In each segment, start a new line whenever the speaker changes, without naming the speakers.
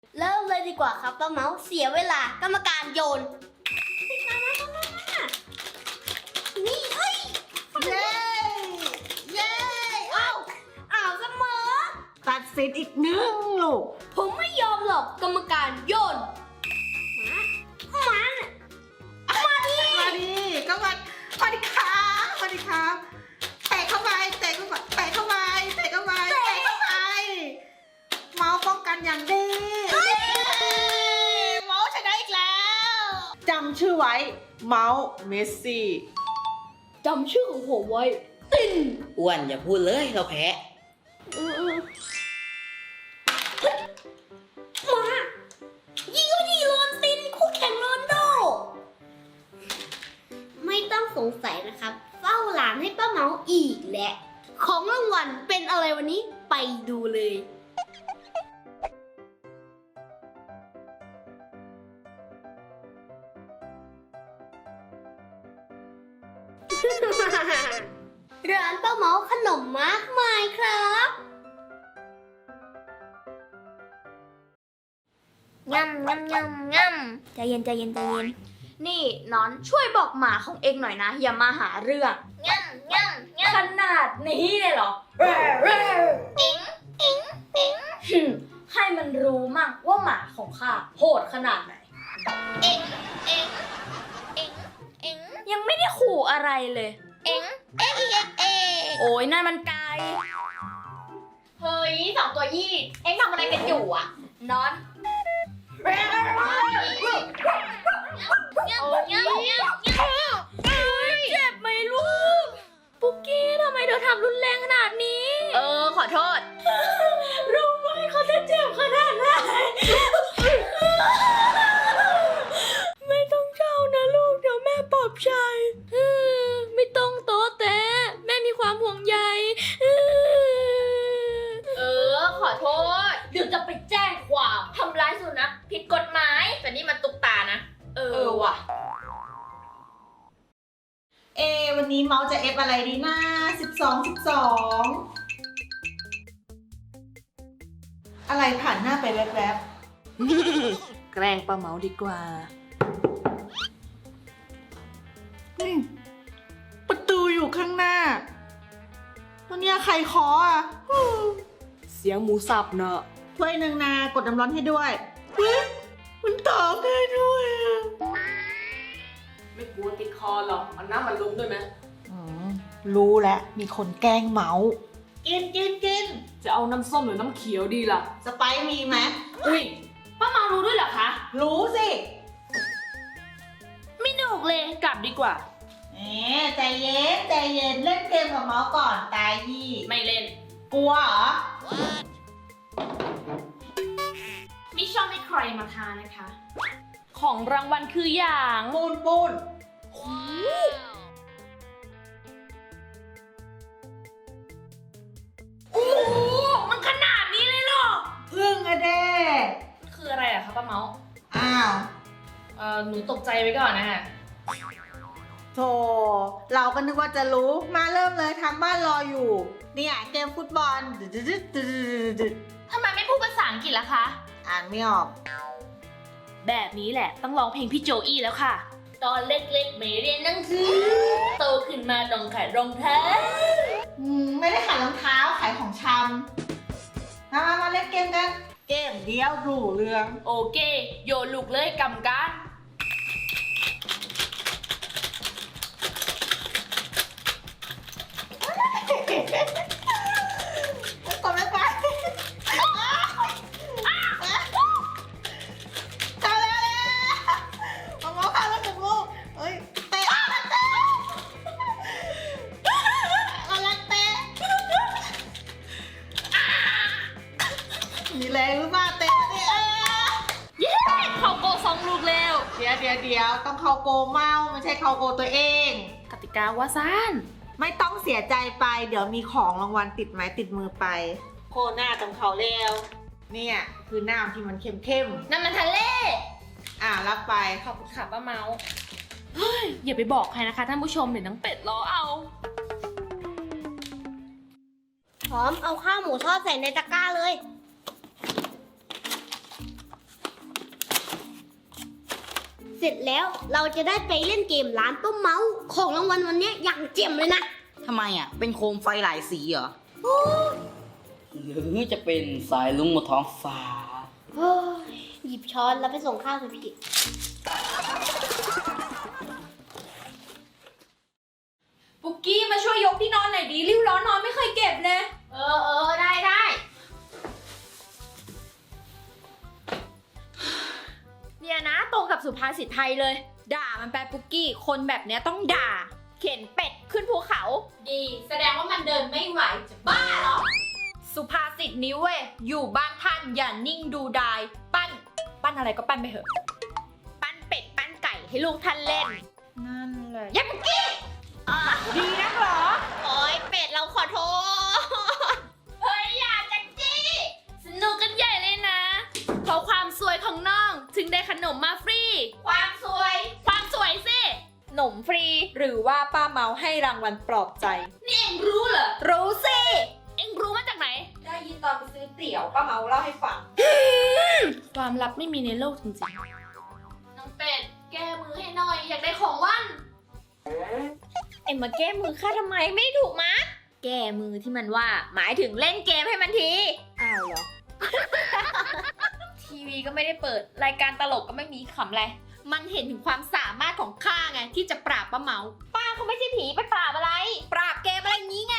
เริ่มเลยดีกว่าครับป้าเมาส์เสียเวลากรรมการโยนนี่เฮ้ยเย้เย้อ้าวเสมอ
ตัดสินอีกหนึ่งลูก
ผมไม่ยอมหรอกกรรมการโยนมาดิ
ก็มาดิครับมาดิครับเตะเข้าไปเตะเข้าไปเตะเข้าไปเตะเข้าไปเตะเข้าไปเมาส์ป้องกันอย่างดีเมาส์ชนะอีกแล้วจำชื่อไว้เมาส์เมสซี่
จำชื่อของผมไว้ติน
อ้วนอย่าพูดเลยเราแพ้
มายิงก็ดีโรนตินคู่แข่งโรนโดไม่ต้องสงสัยนะครับเฝ้าหลานให้ป้าเมาอีกแหละของรางวัลเป็นอะไรวันนี้ไปดูเลยร้านป้าเมาขนมมากมายครับง่ำง่ำง่ำง่ำใจเย็นใจเย็นใจเย็น
นี่น้อนช่วยบอกหมาของเองหน่อยนะอย่ามาหาเรื่อง
ง่ำง่ำง่ำ
ขนาดนี้เลยเหรอ
เอ็งเอ็งเอ็ง
ให้มันรู้มั่งว่าหมาของข้าโหดขนาดไหน
เอ็งเอ็งเอ็งเอ็ง
ยังไม่ได้ขู่อะไรเลย
เอ็งเอ็งเอ็งเอ็ง
โอ้ยนั่นมันไก่เฮ้ยสองตัวยี่เอ็งทำอะไรกันอยู่อ่ะน้อนเจ็บไหมลูกปุกกี้ทำไมเธอทำรุนแรงขนาดนี้ขอโทษรู้ไหมเขาจะเจ็บขนาดไหนไม่ต้องเจ้านะลูกเดี๋ยวแม่ปลอบใจไม่ต้องโต๊ะแต่แม่มีความห่วงใยขอโทษเดี๋ยวจะไปแจ้งความทำร้ายสุนัขผิดกฎหมายแต่นี่มันตุกตานะว่ะ
วันนี้เมาส์จะเอฟอะไรดีนะ12อะไรผ่านหน้าไปแวบ
แกล้งป้าเมาดีกว่า
ประตูอยู่ข้างหน้าวันนี้ใครเคาะอ่ะ
เสียงหมูสับเนอะ
ถ้วยหนึ่งนากดน้ำร้อนให้ด้วยมันตอบได้ด้วย
ไม่กลัวติดคอหรอกเอาน้ำมันลงด้วยไหม
รู้แล้วมีคนแกล้งเมาส์กิน
จะเอาน้ำส้มหรือน้ำเขียวดีล่ะ
สไปซ์มีไหม
อุ้ยป้าเมารู้ด้วยเหรอคะ
รู้สิ
ไม่หนุกเลยกลับดีกว่า
ใจเย็นเล่นเกมกับเมาส์ก่อนตายยี่
ไม่เล่น
กลัวเหรอ
ไม่ชอบให้ใครมาทานนะคะของรางวัลคืออย่าง
ปูน
โอ้โหมันขนาดนี้เลยเหรอ
พึ่งอะเด้
คืออะไรอะคะป้าเมา
อ้าว
หนูตกใจไว้ก่อนนะฮะ
โธ่เราก็นึกว่าจะรู้มาเริ่มเลยทางบ้านรออยู่เนี่ยเกมฟุตบอล
ทำไมไม่พูดภาษาอังกฤษล่ะคะ
อ่านไม่ออก
แบบนี้แหละต้องร้องเพลงพี่โจอี้แล้วค่ะตอนเล็กๆไม่เรียนหนังสือโตขึ้นมาต้องขายรองเท้า
ไม่ได้ขายรองเท้าขายของชำมาเล่นเกมกันเกมเดียวดูเรื่อง
โอเคโยนลูกเลยกำกัน
กดไม่ไปมีแรงหรือเปล่าเตะดิ
เข้าโก2 ลูกแล้ว
เดี๋ยวต้องเข้าโกเมาไม่ใช่เข้าโกตัวเอง
กติกาว่าซ่าน
ไม่ต้องเสียใจไปเดี๋ยวมีของรางวัลติดไม้ติดมือไปโคหน้าตรงเขาเร็วเนี่ยคือน้ำที่มันเข้ม
น้ำมันทะเล
รับไป
ขอบคุณค่ะป้าเมาเฮ้ยอย่าไปบอกใครนะคะท่านผู้ชมเดี๋ยวน้องเป็ดรอเอา
พร้อมเอาข้าวหมูทอดใส่ในตะกร้าเลยเสร็จแล้วเราจะได้ไปเล่นเกมร้านป้าเมาของรางวัลวันนี้อย่างเจ๋มเลยนะ
ทำไมอ่ะ เป็นโคมไฟหลายสีเหรอ หรือจะเป็นสายลุงบนท้องฟ้า
เฮ้ยหยิบช้อนแล้วไปส่งข้าวสิพี่
ปุกกี้มาช่วยยกที่นอนหน่อยดิริ้วร้อนนอนไม่เคยเก็บเลยได้ เนี่ยนะตรงกับสุภาษิตไทยเลย ด่ามันไปปุกกี้คนแบบเนี้ยต้องด่า เข็นเป็ดขึ้นภูเขา ดี แสดงว่ามันเดินไม่ไหวจะบ้าเหรอ สุภาษิตนี้เว้ยอยู่บ้านท่านอย่านิ่งดูดาย ปั้นอะไรก็ปั้นไปเถอะ ปั้นเป็ดปั้นไก่ให้ลูกท่านเล่น นั่นแหละยับปุกกี้ดีนักเหรอ
โอ้ยเป็ดเราขอโทษ
เฮ้ยอย่าจักจี้สนุกกันใหญ่เลยนะ เพราะความสวยของน้องถึงได้ขนมมาฟรี ความสวยสิหนมฟรีหรือว่าป้าเมาให้รางวัลปลอบใจ นี่เองรู้เหรอ รู้สิ เองรู้มาจากไหน ได้ยินตอนไปซื้อเตี๋ยวป้าเมาเล่าให้ฟัง ความลับไม่มีในโลกจริงๆ น้องเป็ดแก้มือให้หน่อยอยากได้ของว่านเอ็มมาแก้มือข้าทำไมไม่ถูกมะ แก้มือที่มันว่าหมายถึงเล่นเกมให้มันที อ้าวเหรอ ทีวีก็ไม่ได้เปิดรายการตลกก็ไม่มีขำอะไร มันเห็นถึงความสามารถของข้าไงที่จะปราบป้าเมา ป้าเขาไม่ใช่ผีไปปราบอะไร ปราบเกมอะไรอย่างนี้ไง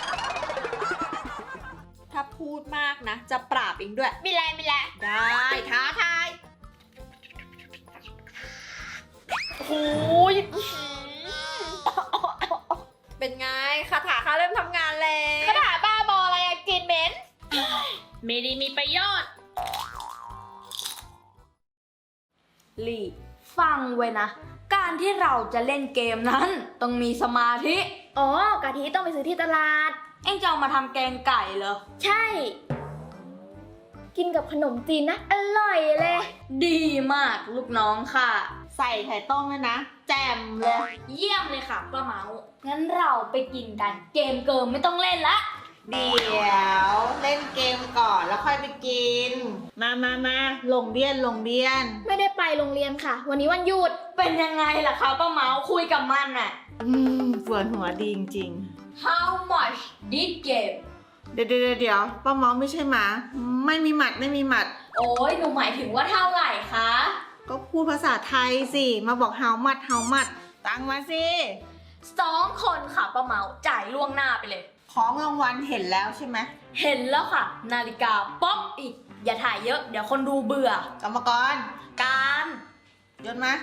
ถ้าพูดมากนะ จะปราบเองด้วยไม่แลได้ท้าทายโอ้ยเป็นไงคาถาข้าเริ่มทำงานแล้วคาถาบ้าบออะไรอะกินเหม็นไม่ได้มีประโยชน์ลีฟังไว้นะ การที่เราจะเล่นเกมนั้นต้องมีสมาธิ
อ๋อกะทิต้องไปซื้อที่ตลาด
เอ็งจะเอามาทำแกงไก่เหรอ
ใช่ กินกับขนมจีนนะ อร่อยเลย
ดีมากลูกน้องค่ะ
ใส่ไข่ต้มเลยนะ แจ่มเลย
เยี่ยมเลยค่ะป้าเมา งั้นเราไปกินกัน เกมเกิมไม่ต้องเล่นละ
เดี๋ยวเล่นเกมก่อนแล้วค่อยไปกิน มาลงเบียน
ไม่ได้ไปโรงเรียนค่ะ วันนี้วันหยุด
เป็นยังไงล่ะคะป้าเมาคุยกับมันน่ะ
ปวดหัวดีจริง
How much did game
ๆเดี๋ยวป้าเมาไม่ใช่หมาไม่มีหมัด
โอ้ยหนูหมายถึงว่าเท่าไหร่คะ
ก็พูดภาษาไทยสิมาบอกเฮามัดตังมาสิ
2 คนค่ะป้าเมาจ่ายล่วงหน้าไปเลย
ของรางวัลเห็นแล้วใช่ไหม
เห็นแล้วค่ะ นาฬิกาป๊อกอีก อย่าถ่ายเยอะเดี๋ยวคนดูเบื่อ
กรรมกร
การ
โยนมา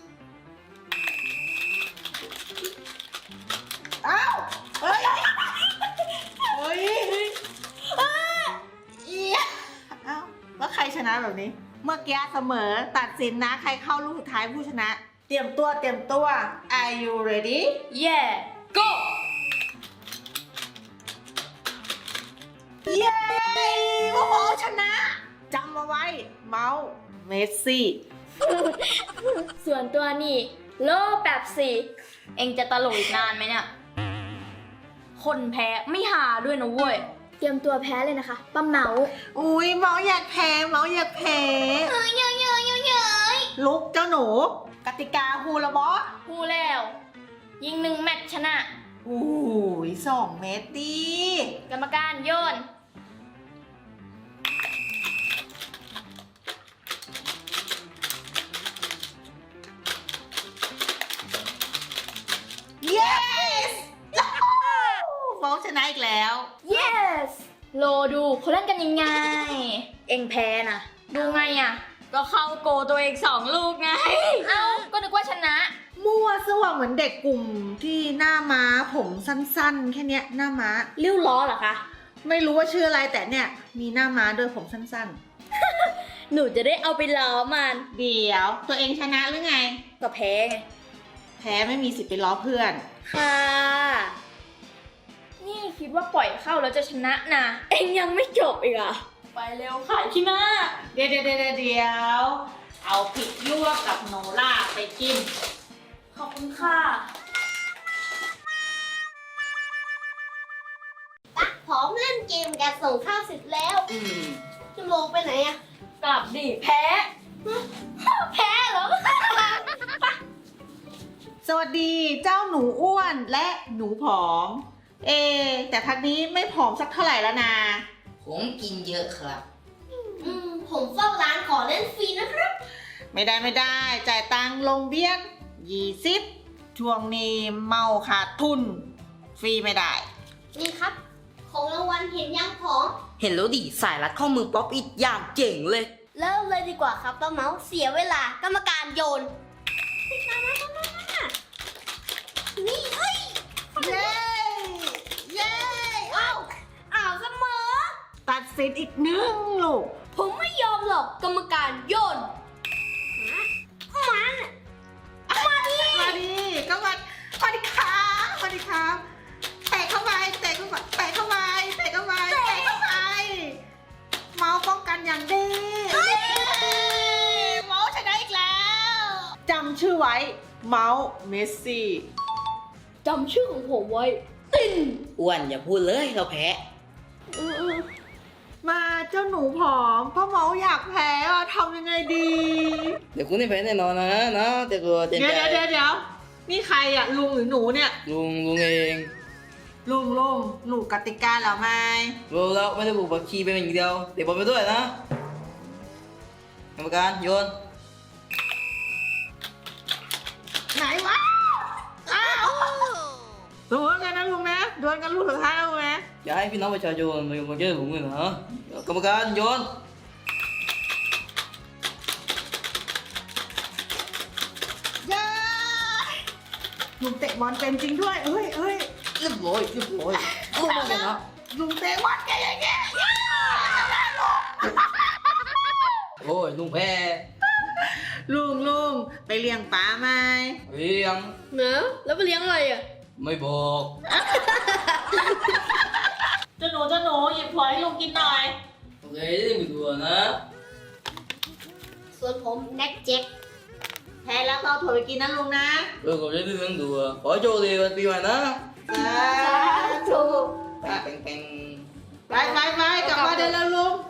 อ้าวเฮ้ยอ้าวแล้วใครชนะแบบนี้ เมื่อกี้เสมอตัดสินนะใครเข้าลูกสุดท้ายผู้ชนะ เตรียมตัว Are you ready
yeah go
เย้โอ้โหชนะจำมาไว้เมาส์เมสซี่
ส่วนตัวนี่โลแบบสี่
เอ็งจะตลกอีกนานไหมเนี่ย คนแพ้ไม่หาด้วยนะเว้ย
เตรียมตัวแพ้เลยนะคะป้าเมา
อุ้ยเมาส์อยากแพ้ลุกเจ้าหนู กติกาฮูละบอส
พูดแล้ว ยิง1 แมตช์ชนะ
อุ้ย2 เมตรดี
กรรมการโยน
yes เมาส์ชนะอีกแล้ว
yes โลดูเขาเล่นกันยังไง เอ็งแพ้นะ ดูไงอ่ะ
ก็เข้าโกตัวเอง2 ลูกไง
เอ้า ก็นึกว่าชนะ
มั่วซั่วเหมือนเด็กกลุ่มที่หน้าม้าผมสั้นๆ แค่เนี้ยหน้าม้า
ริ้วล้อเหรอคะ
ไม่รู้ว่าชื่ออะไรแต่เนี่ยมีหน้าม้าด้วยผมสั้น
หนูจะได้เอาไปล้อมัน
ๆ เดี๋ยวตัวเองชนะหรือไง
ก็แพ้ไง
แพ้ไม่มีสิทธิ์ไปล้อเพื่อน
ค่ะ นี่คิดว่าปล่อยเข้าแล้วจะชนะนะ เอ็งยังไม่จบอีกอ่ะ
ไปเร็วขายที่หน้า
เดี๋ยวเอาพริกลวกกับโนล่าไปจิ้ม
ขอบคุณค่ะ
พร้อมเล่นเกมกันส่งข้าวเสร็จแล้วชั่วโมงไปไหนอะ
กลับดิแพ้
แพ้เหรอ
สวัสดีเจ้าหนูอ้วนและหนูผอม แต่พักนี้ไม่ผอมสักเท่าไหร่แล้วนะ
ผมกินเยอะครับ
ผมเฝ้าร้านขอเล่นฟรีนะครับ
ไม่ได้จ่ายตังค์ลงเบี้ย20ช่วงนี้เมาขาดทุน ฟรีไม่ได้
นี่ครับ ของรางวัลเห็นยังของ
เห็นแล้วดิสายรัดข้อมือป๊อปอิดอย่างเจ๋งเลย
เริ่มเลยดีกว่าครับป้าเมาเสียเวลากรรมการโยนนี่เอ้ย
เย้ เย้
อ้าวเสมอ
ตัดสินอีกหนึ่งลูก
ผมไม่ยอมหรอกกรรมการโยนมัน
มาดิก็มาดิครับมาดิครับเตะเข้าไปเตะเข้าไปเตะเข้าไปเตะเข้าไปเตะเข้าไปเมาส์ป้องกันอย่างดีเมาส์ชนะอีกแล้วจำชื่อไว้เมาส์เมสซี่
จำชื่อของผมไว้ติน
อ้วนอย่าพูดเลยเราแพ้
มาเจ้าหนูผอมพ่อเมาส์อยากแพ้อะทำยังไงดี
เดี๋ยวคุณได้แพ้แน่นอนนะแต่กลัวเต็ม
เดี๋
ใจ
ยวนี่ใครอะลุงหรือหนูเนี่ย
ลุงเอง
ลุงหนูกติกาเหรอไม่
รู้แล้วไม่ได้บุกบักชีเป็นอย่างเดียวเดี๋ยวบอลไปด้วยนะกรรมการโยน
ไหนวะอ้าวสมมติกันนะลุงนะดวลกันลูกสุดท้ายนะลุงนะ
อย่าให้พี่น้องประชาชนมาเจอผมเลยนะกรรมการโยน
เย้ลุงเตะบอลเป็นจริงด้วยเอ้ย
เรียบร้อยลุงมาชนะ
ลุงเตะบอลเก่งๆ
โอ้ยลุงแพ้
ลุงไปเลี้ยงปลาไหม
เลี้ยง
เนอะแล้วไปเลี้ยงอะไรอ่ะ
ไม่บอก
เจ้าหนูหยิบพลอยให้ลุงกินหน่อย
โอเคได้ไปดูนะ
ส่วนผมแน็กเจ็ค
แพ้แล้วก็เอาถั่วไปกินนะลุงนะ
ผมจะได้เรื่องดูขอโชคดีวันปีใหม่นะ
ถูก
แป้ง
ไปกลับมาได้แล้วลุง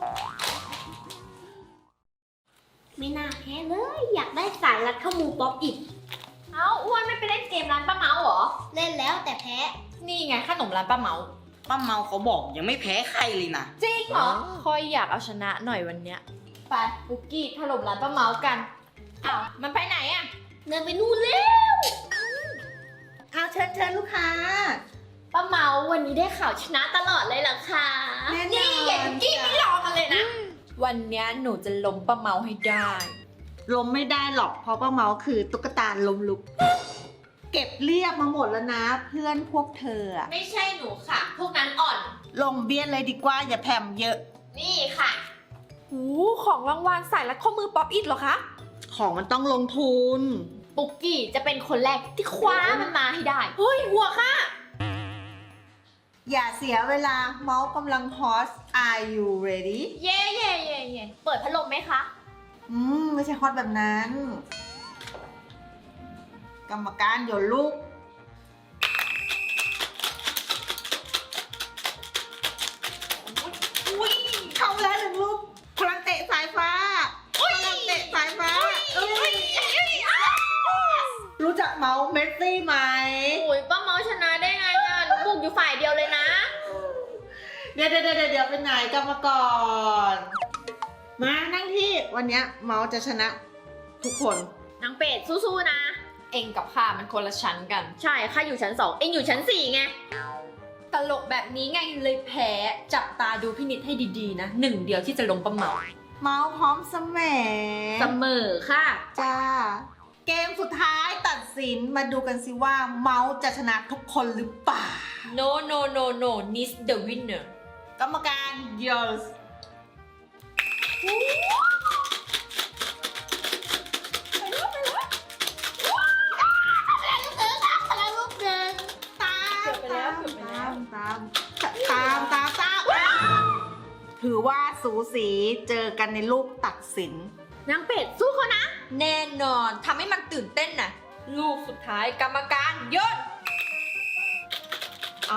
ไม่น่าแพ้เลย อยากได้สายรัดข้อมูป๊อปอีก
เอ้าอ้วนไม่ไปเล่นเกมร้านป้าเมาเหรอ
เล่นแล้วแต่แพ้
นี่ไงขนมร้านป้าเมา
ป้าเมาเขาบอกยังไม่แพ้ใครเลยนะ
จริงเหรอ คอยอยากเอาชนะหน่อยวันเนี้ย ไปบุกกี้ถล่มร้านป้าเมากัน อ้าว มันไปไหนอะ
เดินไปนู่นเร็ว
เอาเชิญลูกค้า
ป้าเมาวันนี้ได้ข่าวชนะตลอดเลยเหรอคะ
แน่นอน
นี่อย่าบุกกี้ไม่รอกันเลยนะ วันเนี้ยหนูจะล้มป้าเมาให้ได้
ล้มไม่ได้หรอกเพราะป้าเมาคือตุ๊กตาล้มลุก เก็บเรียบมาหมดแล้วนะ เพื่อนพวกเธออะ
ไม่ใช่หนูค่ะ พวกนั้นอ่อน
ลงเบี้ยนเลยดีกว่าอย่าแผ่มเยอะ
นี่ค่ะโอ้ของรางวัลใส่รัดข้อมือป๊อปอิดเหรอคะ
ของมันต้องลงทุน
ปุกกี้จะเป็นคนแรกที่คว้ามันมาให้ได้ เฮ้ย หัวค่ะ
อย่าเสียเวลาเมาส์กำลังฮอต Are you ready
เย่เปิดพัดลมไหมคะ
ไม่ใช่ฮอตแบบนั้น กรรมการโยนลูก อุ้ยเข้าแล้วหนึ่งลูกพลังเตะสายฟ้าพลังเตะสายฟ้ารู้จักเมาส์เมสซี่ไหม
โอ้ยป้าเมาชนะได้ไงอ่ะหนูบุกอยู่ฝ่ายเดียวเลยนะ
เดี๋ยวเป็นไหนกรรมกรมานั่งที่วันเนี้ยเมาส์จะชนะทุกคน
นางเป็ดสู้ๆนะ เองกับข้ามันคนละชั้นกัน ใช่ข้าอยู่ชั้น 2 เองอยู่ชั้น 4 ไง ตลกแบบนี้ไงเลยแพ้ จับตาดูพี่นิดให้ดีๆนะหนึ่งเดียวที่จะลงป้าเมา
เมาส์พร้อมเสมอ
เสมอค่ะ
จ้า เกมสุดท้ายตัดสินมาดูกันสิว่าเมาส์จะชนะทุกคนหรือเปล่า
no Nis the winner
กรรมการ yours ถือว่าสูสีเจอกันในลูกตัดสิน
นางเป็ดสู้เขานะ แน่นอนทำให้มันตื่นเต้นนะลูกสุดท้ายกรรมการโยนเอา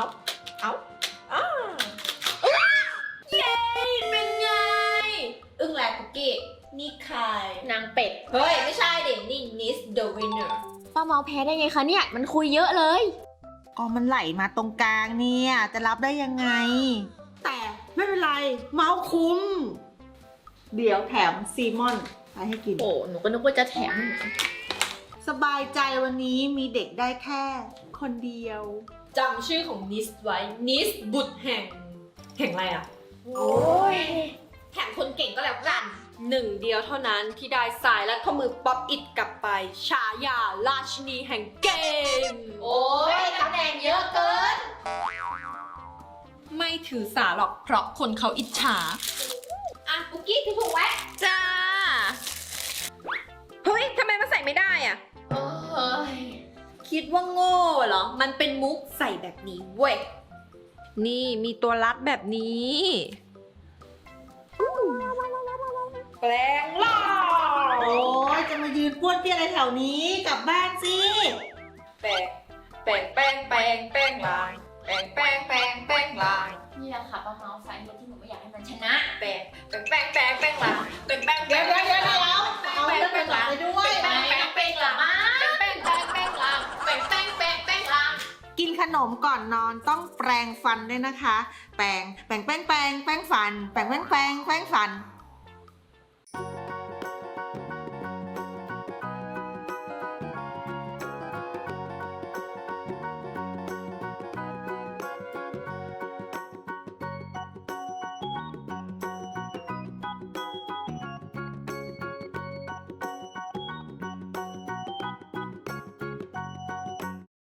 เย้เป็นไง อึ้งแหลกกุกกี้นี่ใครนางเป็ด เฮ้ย ไม่ใช่เด็นี่ Nis the winner ป้าเมาแพ้ได้ไงคะเนี่ย มันคุยเยอะเลย
ก็มันไหลมาตรงกลางเนี่ย จะรับได้ยังไง แต่ไม่เป็นไร เมาคุ้ม เดี๋ยวแถมซีมอนไปให้กิน
โอ้หนูก็นึกว่าจะแถม
สบายใจวันนี้มีเด็กได้แค่คนเดียว
จำชื่อของนิสไว้ นิสบุตรแห่งอะไรอ่ะ
โอ้ย
แถมคนเก่งก็แล้วกัน หนึ่งเดียวเท่านั้นที่ได้สายและข้อมือป๊อปอิดกลับไป ฉายาราชินีแห่งเกม
โอ้ยตำแหน่งเยอะเกิน
ไม่ถือสาหรอกเพราะคนเขาอิจฉา
อ่ะปุกกี้ที่ถูกไว้
จ้า เฮ้ย ทำไมมันใส่ไม่ได้อ่ะ
โอ้ย
คิดว่าโง่เหรอ มันเป็นมุกใส่แบบนี้เว้ย นี่มีตัวรัดแบบนี้ แปลงล่าง
โอ้ยจะมายืนป้วนเปี้ยนอะไรแถวนี้กลับบ้านสิ
แปลงลางแปลงลาง
นี่แหละค่ะป้าเมาสาเหตุที่หนูไม่อยากให้มันชนะ
แปลงลางเดี๋ยว
เอาเรื่องไปก่อนไปด้วย
แป้งหล่ะมาแป้งลาง
กินขนมก่อนนอนต้องแปรงฟันด้วยนะคะ แปรงฟัน